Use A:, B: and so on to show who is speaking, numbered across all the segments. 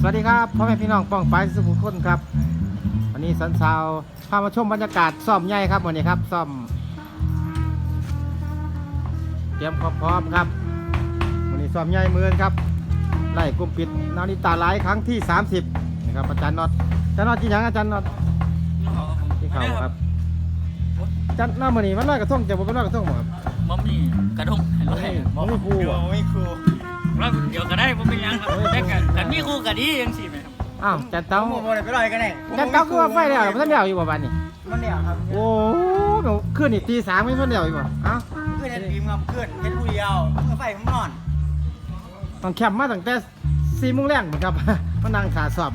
A: วัสดีครับพ่อแม่พี่น้องป้องปายสุขุมคนครับวันนี้สันสาวพามาชมบรรยากาศซ่อมใหญ่ครับวันนี้ครับซ่อมเตรียมความพร้อมครับวันนี้ซ่อมใหญ่เมือนครับไล่กลุ่มปิดนาฬิตาไลฟ์ครั้งที่30นะครับอาจารย์น็อตที่ยังอาจารย์น็อตที่เขาครับอาจารย์น้ามันนี่มันลอยกระทงจะบอกเป็นลอยกระทงหมดครับ
B: มัมมี่กระดง
A: มันไม่ครูอ่ะ
C: ไม่ครู
B: ว่าเดี๋ยวก็ได้ผมเป็นยังครับแต่กันมีครูกันดียังสิไหมครับ
A: อ้าวจันเต้า
C: โมไปลอยกันแน่
A: จันเต้าคือว่าไฟแล้วมันเดียวอยู่บ่บ้านนี่
C: มันเนี่ยครับ
A: โอ้โหขึ้นนี่ตี3ไม่เพิ่นเดียวอยู่บ่เอ้า
C: เพื่อนเห็นบีมครับเพื่อนเห็นผู้เดียวเพื่อนไฟผมนอน
A: ต้องแคมป์มาตั้งแต่4 โมงแรงเหมือนครับ มานั่งขาสอบ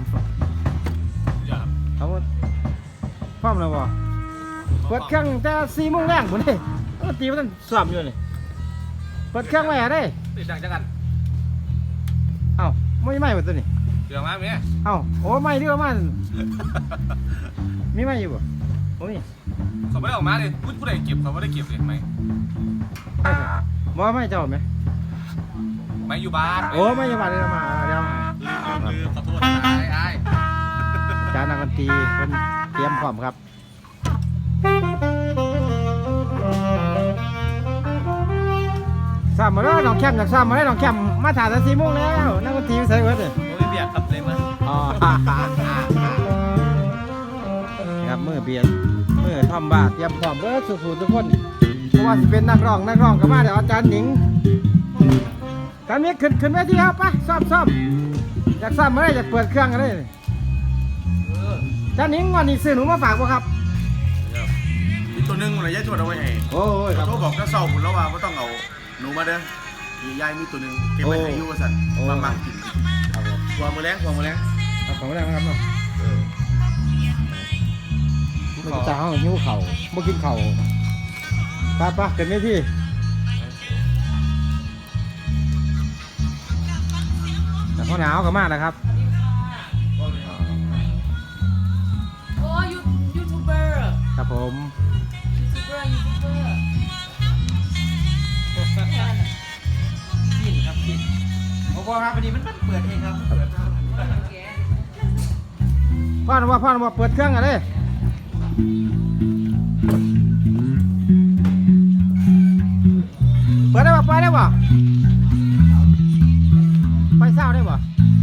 A: เขาพร้อมแล้วบ่เปิดเครื่องแต่4 โมงแรงพุ่นเด้ตีมันสอบอยู่นี่เปิดเครื่องไว้หาได้
D: ติดดังจังกัน
A: เอ้าไม่ไหม้หมดตัวนี่
D: เดี๋ยวมาเมีย
A: เอ้าโอ้ไหม้เด้อมันมีไหม้อยู่บ่โอ้ย
D: เขาไม่ได้ออกมาเลยผู้ใดเก็บเขาไม่ได้เก็บเลยไหม
A: บ่ไหม้เจ้าไหม
D: ไม่อยู่บ้าน
A: โอ้ไหม้อยู่บ้านเด้อมาเดี๋ยว
D: ลืมขอโทษไอ้
A: อาจารย์นักดนตรีเพิ่นเตรียมพร้อมครับซ้ำมาแล้วน้องแคมจากซ้ำมาแล้วน้องแคมมาถ่ายแต่4 โมงแล้วนักดนตรีใส่เบิดเลย
B: โอ้ยเบียดครับเลยมา
A: อ๋อครับมือเบียดมือทอมบาเตรียมพร้อมเบิดสู้ๆทุกคนเพราะว่าสิเป็นนักร้องก็มาเดี๋ยวอาจารย์หนิงการนี้ขึ้นเวทีครับไปซ้อมอยากซ้ำมาได้อยากเปิดเครื่องกันเลยอาจารย์หนิงวันนี้ซื้อหนูมาฝากบ่ครับ
E: อีกตัวหนึงมันเลยยายชวนเอาไว้ให้
A: โอ้ยครับ
E: เขาบอกจะเศร้าผมแล้วว่าไม่ต้องเอาหนูมาเด้อยายมีตัวหนึงเก็บไว้ให้อยูว่าสันมากิน
A: ครับผม
E: วางมือแรงวางมือแรง
A: เอาของแรงนะครับเนาะมันจะเอาหิ้วเข่าบ่กินเข่าไปเกิดไม่ที่แต่พอหนาวก็มากนะครับ
F: โอ้ยูทูบเบอร์
A: ครับผม
F: ยูทูบเบอร์
B: กินครับกิน
C: โอ้โหครับพอดีมันเปิดเองครับ
A: พ่อว่าเปิดเครื่องกันเลยเปิดได้ป่ะไปได้ป่ะไปเศร้าได้ป่ะ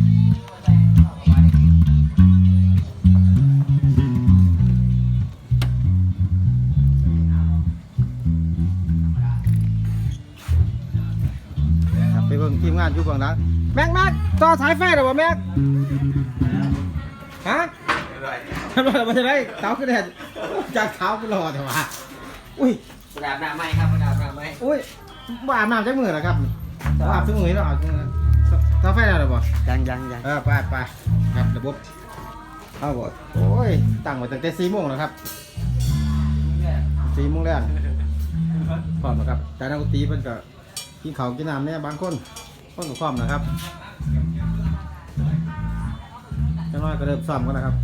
A: ไปเบิ่งทีมงานอยู่เบื้องหลังแม็กต่อสายไฟหรอวะแม็กฮะมันจะได้เท้าขึ้นแดดจากเท้าไปรอแต่ว่าอุ้ย
C: กระดาษหน้าไม้ครับกระดาษหน้าไม้
A: อุ้ยบ้าอาบน้ำใช้มือเหรอครับอาบใช้มือแล้วอาบเท้าไฟแล้วหรอบ่
C: ยัง
A: ไปครับระบบเอาบ่โอ้ยตั้งไว้ตั้งแต่4 โมงแล้วครับ4 โมงแรกพร้อมนะครับแต่นักดนตรีเพิ่นก็กินข้าวกินน้ำเนี่ยบางคนก็พร้อมนะครับจังน้อยก็เริ่มซ้อมกันนะครับ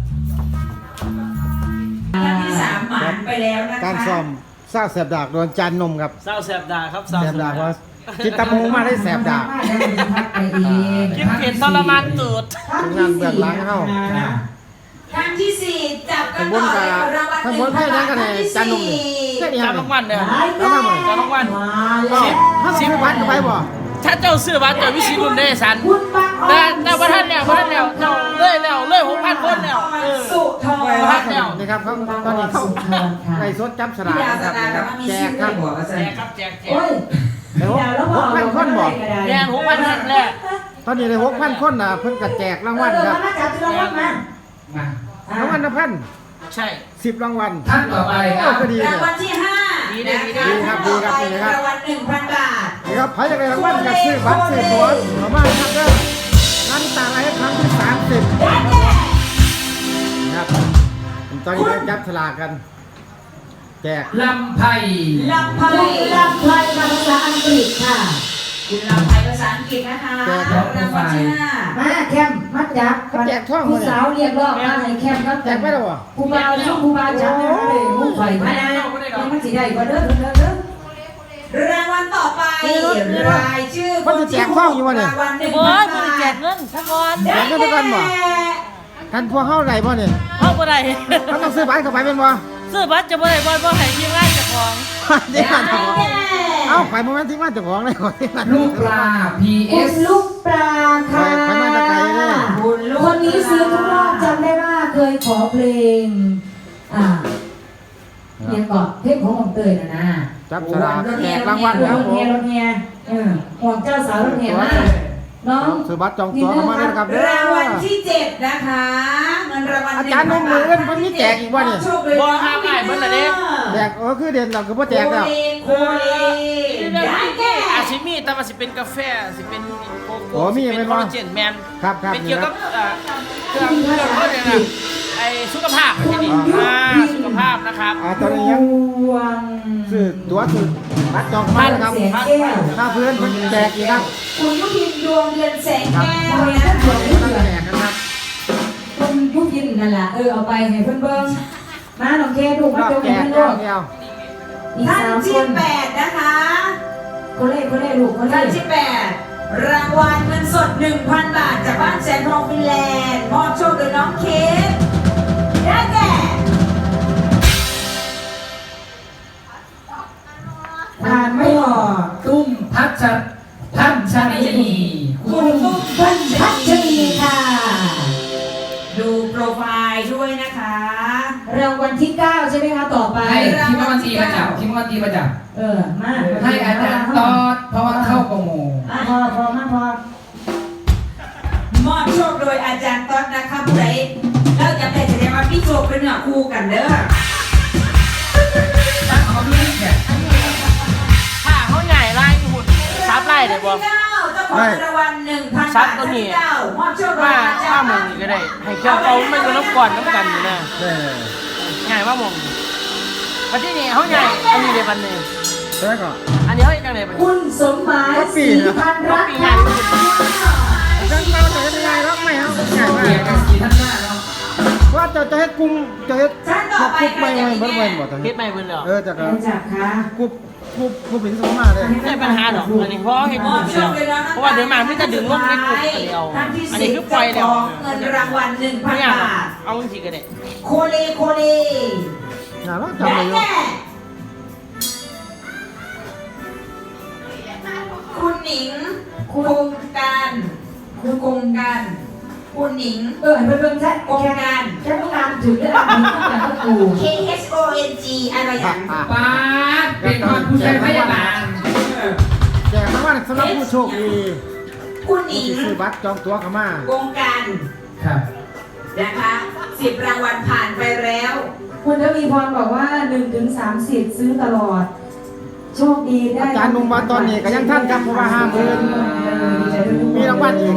F: ท่านที่3หมานไปแล้วนะคะ
A: การซ้อมสร้างแสบดากโดนจานนมครับ
B: เศร้าแสบดาครับ
A: แสบดากเพราะกินตะมูมาได้แสบดาก
B: กินเผ็ดทรมานตูด
A: ทีมงานเบื้องหลังเข้า
F: ท่านที่4จับกัน
A: ข้างบนกับข้างบนไพ่นั่งกันเลยจานนมนี่แค่นี้ค
B: จา
A: รั
B: น
A: บ
B: รางวัลเนี่ย
A: แล้วมาเหมือน
B: จานรางวัล
A: 10 วันก็ไปบ่
B: ถ้าเจ้าซื้อบัตรเจ้าวิชิรุนได้สันแต่ว่าท่านแล้วเจ้าเลย6,000 คนแล้ว
F: สุทอง
B: พักแล้ว
A: นี่ครับเขาตอนนี้เขาไก่สดจับสลากนะครับแจกครับ
B: แจกครับแจก
F: โอ้ย
A: ได้6,000 คนบ่
B: แจก6,000คนแรก
A: ตอนนี้ได้ 6,000 คนนะเพิ่นก็แจกรางวัลครับ
F: มาจับรางวัลมาร
A: างวัลละพัน
B: ใช่
A: 10 รางวัล
C: ท่านต่อไปค
A: โอ้
C: รับ
A: ก็ดีเล
F: ราย งวัลที่5นะคะ
A: ดีครับนี่นะครับ
F: รางวัล 1,000 บาท
A: นี่ครับใครจะได้รางวัลก็ซื้อบัตรซื้อตั๋วเอามาครับเด้องานต่างอะไรครั้งที่30นะครับตอนนี้เราจับสลากกันแจก
C: ลำไผ่
F: ลำไพภาษาอังกฤษค่ะ คุณลำไพภาษาอังกฤษนะคะรางวัลที่5มาแคมมาจับ
A: เขาแจกท่อง
F: ผู้
A: เลย
F: สาวเรียกร้องมาให้แคมครับ
A: แจกไม่หรอวะ
F: ผู้บ่าวช่วงผู้บ่าวจับได้เลยมุ่งไฟมายังมันสิได้บ่เด้อรางวัลต่อไปรายชื่อ
A: มันจะแจกข้องอยู่วะเนี่ย
F: รางวัล
B: โอ้ย
F: 1,000
B: มึง
F: บา
B: แจ
F: ท
B: กเงินทั้งวัน
A: แจกเงินทุกวันบ่ กันพวกเข้าไหนบ่เนี่ย
B: เข้าบ่ได้
A: เขาต้องซื้อบัตรเข้าไปเป็นบ่
B: ซื้อบัตรจะบ่ได้บ่ให้ทีมงานเจ้าของ
A: เดี๋ยวเจ้าของเอ้าไปโมเมนต์ที่ว่าเจ้าของเลยก่อนที่ว่า
G: ลูกปลา
F: คุณ
G: PS
F: ลูกปลาค่ะ
A: ไปมาตะไคร้เลย
F: คุณลูกคนนี้ซื้อทุกรอบจำได้ว่าเคยขอเพลงเพียงก่อนเพลงของผมเตยนะ
A: จับฉลากแจกรางวัลแล้ว
F: รถ
A: ผ
F: เฮีย
A: ม
F: รถเฮียห่วงเจ้าสาวรถเฮียมากน้อง
A: ซื้อบัตรจองตั๋วเข้ามาเลยนะครับเด้อ
F: รางวัลที่ 7 นะคะเงินรางวัล
A: อาจารย์นุ่มมือเอิ้นเพิ่นมีแจกอีกบ่เนี่ย
B: บ่ห้ามได้เบิดละเด้
A: แจกคือเด่นเราคือพ่แจกแล้ว
F: โคเล
B: ได้
F: ได้แก่
B: อาชิมีแต่ว่าสิเป็นกาแฟสิเป็นโก
A: โอ้
B: โก้
A: มี
B: สิ
A: เป็
B: เป็น
A: น
B: ค
A: บ่
B: อลลาเจนแมน
A: ครับครับ
B: เป็นเกี่ยวกับเครื่องเขาเรียกอะไรไอ้สุขภาพที่นี่สุขภาพนะครับ
A: ตอนนี้ยัง
F: วง
A: ซื้อตั๋วซื้อบัตรจองเข้ามานะครับ
F: เสียงแก้ว
A: ถ้าเพื่อนเพิ่นแจกอีกครับ
F: คุณยุพินดวงเดือนแสง
A: ครับ
F: แก้ว
A: เพิ่
F: นะ
A: นแจกนะครับ
F: คุณยุพินนั่นแหละเอาไปให้เพื่อนเบิ้งมาน้องเคดู
A: ร
F: มา
A: อบ
F: เจอ
A: แจ
F: กัน
A: ก
F: เพื่อน
A: เดียว
F: อีก
H: ท่าน
F: 3 ค
H: ที่
F: น
H: 8นะคะ
F: คนเล่ลูกคน
H: ท่าน
F: เล่
H: ที่8รางวัลเงินสด 1,000 บาทจากบ้านแสนทองฟินแลนด์มอบโชคโดยน้องเคสได้แก่
F: ผ่านไม่ออก
G: ตุ้มพัชชนี
F: คุณพันพัชรีค่ะ
H: ดูโปรไฟล์ด้วยนะคะ
F: รางวัลที่ 9 ใช่ไหมคะต่อไป
G: ให้คิมวันตีมาจับคิมวันตีมาจับ
F: มา
G: ให้อาจารย์ตอดเพราะว่าเข้าโปรโม
F: พอพอ
H: มอบโชคโดยอาจารย์ต๊อดนะคะผู้ใดแล้วจะแต่แสดงว่าพี่โชคเป็นเนื้อคู่กันเด้อ
G: ตั้งเอาดูนี่เนี่ย
B: ถ้าเขาใหญ่ไล่หุ่นซับไล่ได้บ่
H: เจ้าของรางวัล 1,000
B: ซั
H: บา
B: บ
H: ท
B: ตัวนี้
H: มอบโชคโดย
B: ว่า
H: อาจา
B: ถ้าร
H: ย์
B: มองนี่ก็ได้ ให้เกี่ยวเขาไม่ก็น้ำก่อนน้ำกันอยู่นะ
A: เด้อ
B: ง่ายว่ามองวันที่นี่เขาใหญ่อันนี้เดี๋ยววันหนึง
A: แล้วก็
B: อันนี้เขาจังได๋บัดนี้
F: คุณสมหมายศรีพันรัก
B: ปี
F: ค่ะ
B: งาน
A: ฉันเราจะเฮ็ดยังไงหรอกไม่เอาง่ายมา
G: เกีย
A: ก
G: ร์กันสีท่านหน้าเนาะ
A: ว่าจะเฮ็ดกลุ่มจะเฮ็ด
H: ท่านต่อไป
A: กลุ่มไม่
H: ค่ะ
A: ไม่บ่บ่บ่ตอน
B: คิ
A: นี้
B: ดไม่เบิ่นแล้ว
A: จะก็
F: จับค่ะ
A: กลุ่มเป็นสมมาเลย
B: ไม่ใช่ปัญหาหรอกอันนี้เพราะเห็น
H: ม
B: อ
H: อยู่ บโช
B: แล้ว
H: คเลยนะ
B: เพราะว่าเดินมาไม่จะดึงลงในกลุ่มอันนี้เอา
H: ท่านที่
B: อันนี้
H: 10
B: คือปล่อยแล้ว
H: เงินรางวัล
B: ไม่
H: 1,000
B: ยาก
H: บาท
B: เอาจริงๆก็ได้
H: โคเลโคเล
A: น่ารัก
H: ได้
A: จำเลยอยู่
H: แก่คุณหนิงโครงการคุณโครงการคุณหนิง
F: เห็นเบิ่งแค่
H: โครงการ
F: แค่ต้องการถึงได้อ่านนี้ต้องการก็กู
H: K H O N G อะไรอย่าง
G: ป้าดเป็นคนผู้ช่วยพยาบาล
A: แจกรางวัลสำหรับผู้โชคดี
H: คุณหนิง
A: ที่ซื้อบัตรจองตั๋วเข้ามา
H: โครงการ
G: ครับ
H: นะคะ10 รางวัลผ่านไปแล้ว
F: คุณทวีพรบอกว่า1 ถึง 30 ซื้อตลอด โชคดีได้
A: อาจารย์นุ่มมาตอนนี้ก็ยังท่านครับเพราะว่า50,000มีรางวัลอีก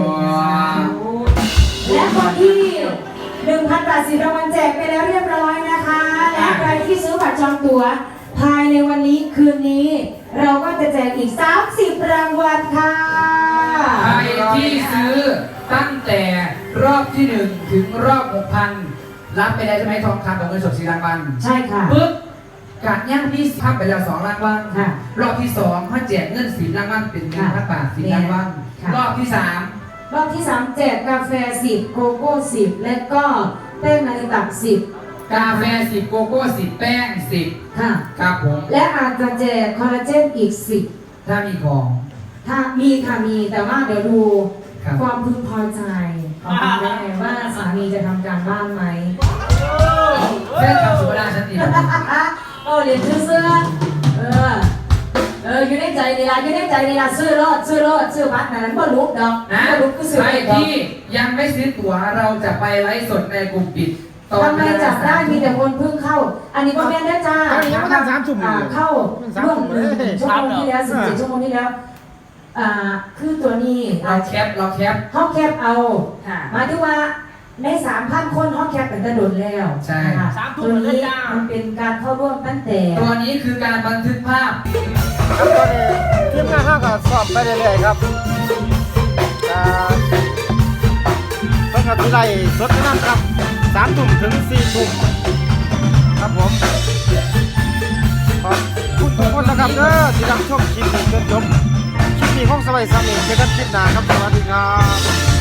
F: และคนที่ 1,000 บาท10 รางวัลแจกไปแล้วเรียบร้อยนะคะ และใครที่ซื้อบัตรจองตั๋วภายในวันนี้คืนนี้ เราก็จะแจกอีก 30 รางวัลค่ะ
G: ใครที่ซื้อตั้งแต่รอบที่ 1 ถึงรอบ 6,000 รับไปได้ใช่ไหมทองคำกับเงินสด4รางวัล
F: ใช่ค่ะ
G: ปึ๊บการย่างที่ทำไปแล้ว2รางวัล
F: ค่ะ
G: รอบที่2เขาแจกเงิน10รางวัลเป็น1,000 บาท10รางวัล
F: ค่ะ
G: รอบที่
F: รอบที่ 3 แจกกาแฟ 10 โกโก้ 10 และก็แป้งนาฬิกา10
G: 3 กาแฟ10โกโก้10แป้ง10
F: ค่ะ
G: ครับผม
F: และอาจจะแจกคอลลาเจนอีก
G: ถ้ามีของ
F: 10 ถ้ามีค่ะมีแต่ว่าเดี๋ยวดู
G: ครับ
F: ความพึงพอใจของคุณแม่ว่าสามีจะทำการบ้านไหม
G: แค่คำสุภาพชัดเจน
F: เรียนเสื้ออยู่ในใจนี่ละอยู่ในใจนี่ละซื้อรถซื้อบัตรนั้นก็ลุกดอก
G: นะ
F: ก็ลุกก็ซื้อ
G: ใคร
F: ดอก
G: ที่ยังไม่ซื้อตั๋วเราจะไปไลฟ์สดในกลุ่มปิดตอน
F: ทำไมจับได้มีแต่คนเพิ่งเข้า อันนี้ก็แม่นได้จ้า
A: อันนี้ยังไม่ทัน3 ชั่วโมงเลย
F: เข้า
A: 3
F: ร่วม
A: ชั่วโมงเลย
F: ชั่วโมงที่แล้ว14 ชั่วโมงที่แล้วคือตัวนี้
G: เราแคป
F: ห้องแคปเอา
H: ค่ะ
F: หมายถึงว่าใน 3,000 คนห้องแคปเป็นกระโดดแล้ว
G: ใช่
F: ค่ะ
B: 3 ทุ่
F: ตัว
B: มเลย
F: นี้
B: จ้า
F: มันเป็นการเข้าร่วมตั้งแต่
G: ตัวนี้คือการบันทึกภาพ
A: ครับตอนนี้ทีมงานเราก็สอบไปเรื่อยๆครับเพิ่งกับที่ไรสดนั่นครับ3 ทุ่มถึง4 ทุ่มครับผมขอบคุณทุกคนนะครับเด้อที่รับชมคลิปนี้จนจบคลิปนี้ของสบายสามีเจอกันคลิปหน้าครับสวัสดีครับ